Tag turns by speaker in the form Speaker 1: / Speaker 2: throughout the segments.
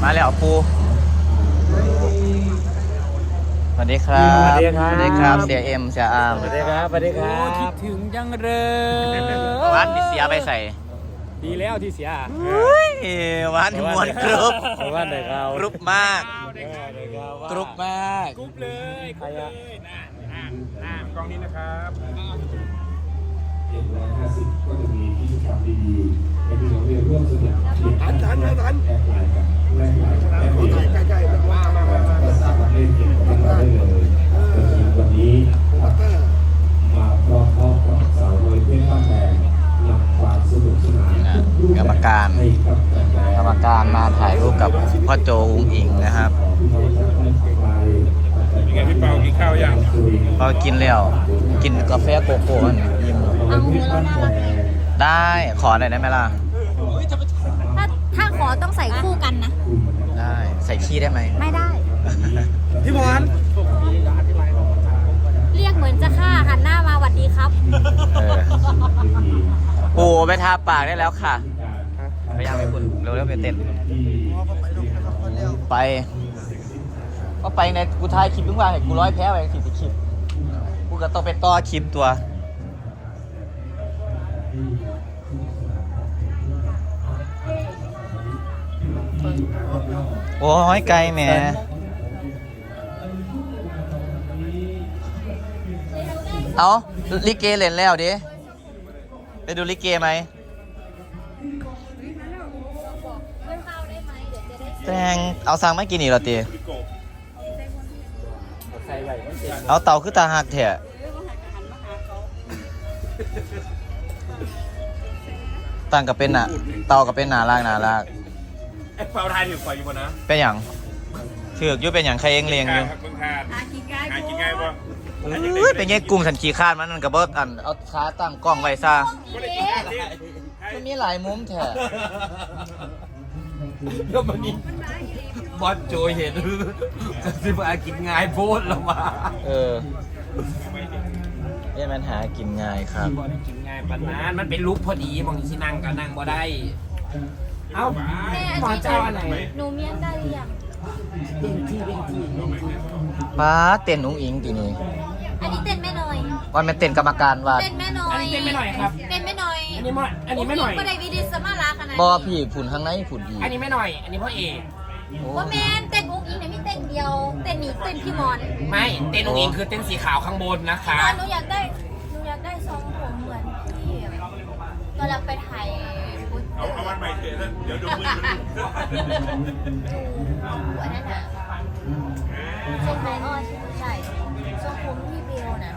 Speaker 1: มาแล้วปูสวัสดีครับสวัสดีครับเสียเอ็มเสียอาร์ม
Speaker 2: สวัสดีครับสวัสดีครั
Speaker 3: คิด
Speaker 2: บ
Speaker 3: ถึงจังเลย
Speaker 1: วันที่เสียไปใส่
Speaker 3: ดีแล้วที่เสีย
Speaker 1: วันมวนกรุ๊ป
Speaker 2: ว่าไหนเรา
Speaker 1: กรุ๊ปมากกรุ๊ปมาก
Speaker 3: กรุ๊ปเลยกรุ๊ปเลยน่ากล้องนี้นะครับ
Speaker 4: ก็จะมีกิจกรรมดีๆให้พี่น้องได้ร่วมสนุกแอดไลน์กับแอดไลน์แอดเดียวก็สามารถเล่นเกมกับเราได้เลยวันนี้มาพร้อมกับสาวน้อยเพชรบ้านแพงนำความสนุกสนาน
Speaker 1: กรรมการมาถ่ายรูปกับพ่อโจอุ้งอิงนะครับ
Speaker 3: ยังไงพี่เปากินข้าวยัง
Speaker 1: พอกินแล้วกินกาแฟโกโก้ยิ้ม
Speaker 5: เอามือแล้วน่ารัก
Speaker 1: ได้ขอหน่อยได้ไหมล่ะ
Speaker 5: ถ้าขอต้องใส่คู่กันนะ
Speaker 1: ได้ใส่ขี้ได้ไหม
Speaker 5: ไม่ได้
Speaker 3: พี่บอล
Speaker 5: เรียกเหมือนจะฆ่าหันหน้ามาหวัดดีครับ
Speaker 1: เออปูไปทาปากได้แล้วค่ะพยายามไปคุณเร็วๆไปเต้นไปก็ไปในกูถ่ายคลิปทุกวันเห็นกูร้อยแพ้ไป40คลิปกูก็ต้องไปต่อคลิปตัวโอ้ยไกลแหมเอาลิเกเล่นแล้วดิไปดูลิเกไหมแตงเอาสั่งไม่กินอีกเหรอตีเอาเต่าคือตาหักเถอะต่างกับเป็นน่ะเต่ากับเป็นหนาลาก
Speaker 3: ไอ้เปาไทยถือไฟอยู่บนนะ
Speaker 1: เป็นอย่างถือกยุ่เป็นอย่างใครเองเลียงอยู่
Speaker 3: ครับเพิ่งทานหากินง่ายป่ะ
Speaker 1: เป็นไงกุ้งสันขี้คาดมันนั่นกับเบิร์อันเอาขาตั้งกล้องไว้ซะมันมีหลายมุมแถะ
Speaker 2: ก็มันนี่บอสโจเห็นจะสิบอากินง่ายโพดแล้วมา
Speaker 1: เนี่ยมันหากินง่ายครับ
Speaker 2: บอสกินง่ายปานนั้นมันเป็นลุกพอดีมองที่นั่งก็นั่งบ่ได้เอ้า
Speaker 5: แม่
Speaker 2: หมอเจ้าอันไหน
Speaker 5: หนูเมียนได้หรือยัง
Speaker 2: เป็นที่
Speaker 1: ป้าเต้นอุ้งอิงทีนี้
Speaker 5: อันนี้เต้นแม่หน่อย
Speaker 1: วันเป็นเต้นกรรมการว่า
Speaker 5: เต้นแม่หน่อย
Speaker 2: อันนี้เป็นไม่หน่อยครับ
Speaker 5: เต้นแม่หน่อย
Speaker 2: อันนี้ไม่หน่อย
Speaker 5: ก็ได้วิดีสมาราขนาดนี้
Speaker 1: บอพี่ผุนข้างในผุนดี
Speaker 2: อันนี้ไม่หน่อย อันนี้พ่อเอก
Speaker 5: ว่าแมนเต้นอุ้งอิงเนี่ยไม่เต้นเดียว เต้นหนีเต้นพี่มอน
Speaker 2: ไม่เต้นองค์เองคือเต้นสีขาวข้างบนนะคะ
Speaker 5: หนูอยากได้ทรงผมเหมือนที่ตอนเราไปถ่ายฟุต
Speaker 3: เอาวันใหม่เถอะเดี๋ยวดูมือ
Speaker 5: ดูอันนั้นน่ะทรงไทยอ้อใช่ทรงผมที่เบลน่ะ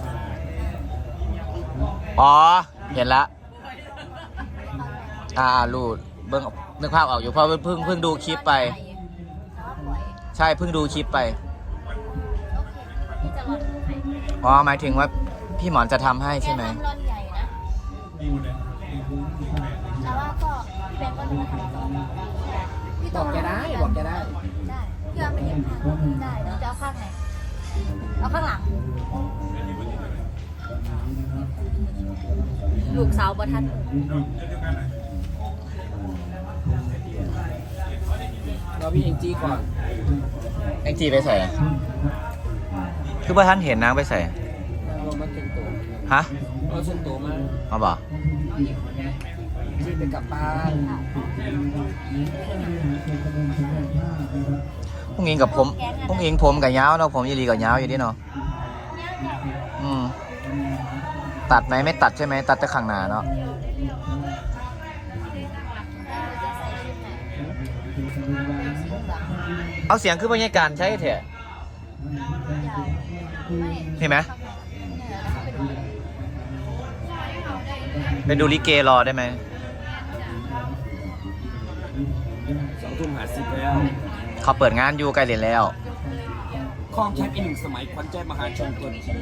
Speaker 1: อ๋อเห็นละรูดเบิ่งนึกภาพออกอยู่เพราะเพิ่งดูคลิปไป ใช่เพิ่งดูคลิปไปอ๋อหมายถึงว่าพี่หมอนจะทำให้ใช่ไหม
Speaker 5: ร่อนใหญ่นะแต่ว่าก็แบงก์ก็ดูทำต่อพี่โต
Speaker 2: บอกจะได้บอกจะได้
Speaker 5: ได้พี่ว่าไปเย็บผ้าได้เดี๋ยวจะเอาข้างไหนเอาข้างหลังลูกสาวบ่ทัน
Speaker 2: เราพี่เองจี้ก่อน
Speaker 1: แองจีไปใส่คือว่าท่านเห็นนางไปใส่
Speaker 2: เรามาเก่งตัว
Speaker 1: ฮะ
Speaker 2: เราเชิญตัวมา
Speaker 1: มาบอก
Speaker 2: จี้ไปกลับบ้าน
Speaker 1: พรุ่งอิงกับผมพรุ่งอิงผมกับยาวเนาะผมยีรีกับยาวอยู่ดิเนาะตัดไหมไม่ตัดใช่ไหมตัดแต่ข้างหน้าเนาะเอาเสียงขึ้นบรรยากาศใช่เถอะเห็นไหมไปดูลิเกรอได้ไหม
Speaker 2: 2:50แล้ว
Speaker 1: เขาเปิดงานอยู่ใกล้เรียนแล้ว
Speaker 2: คลองแชมป์อีกหนึ่งสมัยขวัญใจมหาชนตัวจริง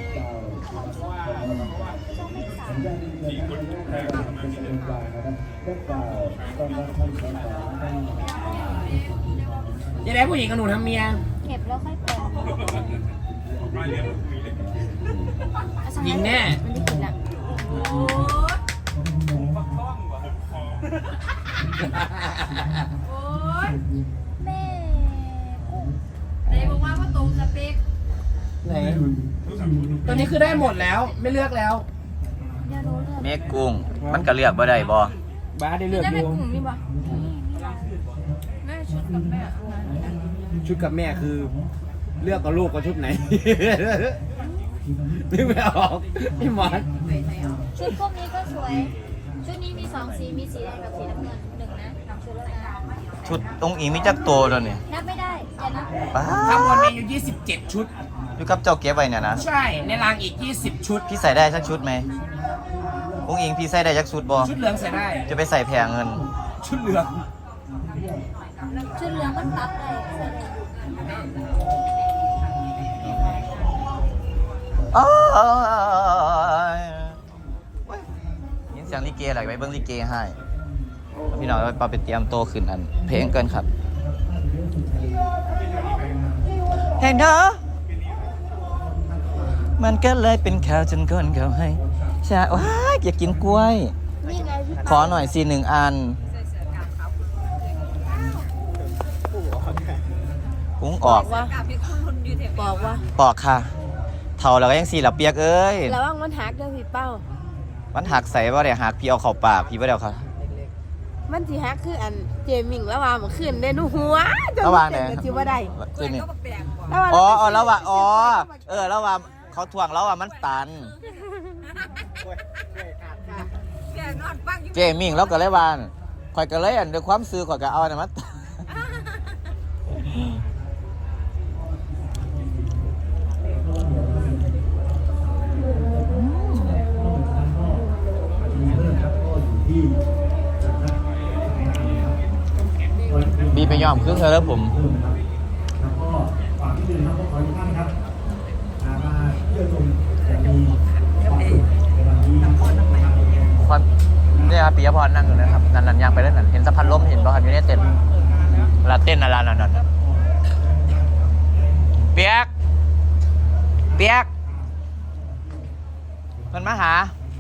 Speaker 2: ยังไงผู้หญิงกับหนูทำเมีย
Speaker 5: เก็บแล้วค่อยแปลง
Speaker 2: ยิงแน่
Speaker 5: มันได้กินอ่ะโอ้
Speaker 6: ย
Speaker 5: แม่กุ้ง
Speaker 6: ไหนบอกว่าตรงสเปค
Speaker 2: ไหนตัวนี้คือได้หมดแล้วไม่เลือกแล้ว
Speaker 5: เดี๋ยวรู้เรื่อง
Speaker 1: เมฆกุ้งมันก็เลือกบ่ได้บ่
Speaker 2: บ้าได้เลือก
Speaker 6: ได้
Speaker 2: อ
Speaker 6: เป็น
Speaker 2: ยู่
Speaker 6: กลุ่มนี่ปะแม่ชุดกับแม่
Speaker 2: ชุดกับแม่คือ เลือกกับลูกกับชุดไหน นึกไม่ออกพี่หมอน
Speaker 5: ชุดพวกนี้ก็สวย ชุดนี้มี2สีมีสีแดงกับสีน้ำเงิน1นะชุดละนะ
Speaker 1: ชุดองค์อิงมีจักตัวแล้วนี่
Speaker 5: นับไม่ได้อย่านับ
Speaker 1: ป้า
Speaker 2: ทั้งหมดมีอยู่27 ชุด
Speaker 1: อยู่กับเจ้าเก็บไว้เนี่ยนะ
Speaker 2: ใช่ในรางอีก20 ชุด
Speaker 1: พี่ใส่ได้สักชุดไหมองค์อิงพี่ใส่ได้สักชุดบ่
Speaker 2: ชุดเหลืองใส่ได้
Speaker 1: จะไปใส่แพงเงิน
Speaker 2: ชุดเหลือง
Speaker 5: ชุดเหลืองมันตัดได้ใส่ได้
Speaker 1: อ้ายยินเสียงลิเกอะไรไปเบิ้งลิเกให้พี่น้องไปเตรียมโตขึ้นอันเพลงเกินครับเห็นเธอมันก็เลยเป็นข่าวจนคนเขาให้ใช่ว้ายอยากกินกล้วย
Speaker 5: นี่ไงพี่
Speaker 1: ขอหน่อยสิ1 อันกุ้งออก
Speaker 5: บอกว่า
Speaker 1: ปอกค่ะ เท่าแล้วก็ยังสี่หลับเปียกเอ้ย
Speaker 5: ระวังมันหักเด้อพี่เป้า
Speaker 1: มันหักใส่ว่าเดี๋ยวหักพี่เอาเข้าปากพี่ว่าเดี๋ยวค่ะ
Speaker 5: มันสิฮักคืออันเจมิงแล้วว่ามันขึ้นได้หนูหัวจน
Speaker 1: ระวังเนี่ย
Speaker 5: จิว่าได้
Speaker 1: คือนี่
Speaker 5: แล้วว่า
Speaker 1: อ๋อแล้วว่าอ๋อแล้วว่าเขาทวงแล้วว่ามันตันเจมิงแล้วก็เลยว่าข่อยก็เลยอันด้วยความซื่อข่อยก็เอาเนี่ยมันบีไปยอมครึ่งเธอแล้วผม
Speaker 4: แล้วก็ฝากที่อื่นครับขอทุกท่านครับมาเที่ยวชมจะมีความสุขในวันนี้นะครับ
Speaker 1: พรเนี่ยครับปิยพรนั่งอยู่นะครับนั่นยังไปเล่นนั่นเห็นสะพานล้มเห็นป่ะครับอยู่ในเต้นเวลาเต้นอะไรนั่นเปียกมันมาหา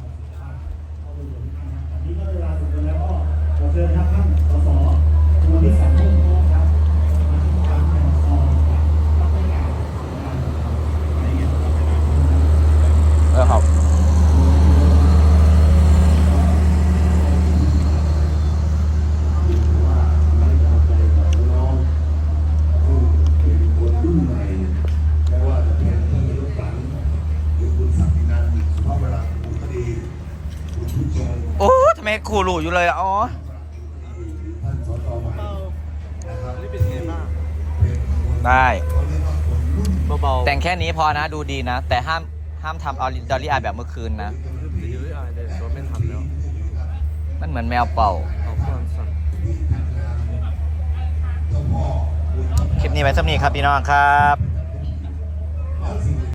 Speaker 4: นี่ก็เวลาสุดแล้วก็ขอเชิญครับท่านสสมูลนิธิมุ่งโน้ครับมาที่การแข่งขัน
Speaker 1: ครับโอ้ทำไมครูรู้อยู่เลยอ๋อได้เบาๆแต่งแค่นี้พอนะดูดีนะ แต่ห้ามทำเอาดอลลี่อายแบบเมื่อคืนนะมันเหมือนแมวเป่าคลิปนี้ไว้สักนี้ครับพี่น้องครับ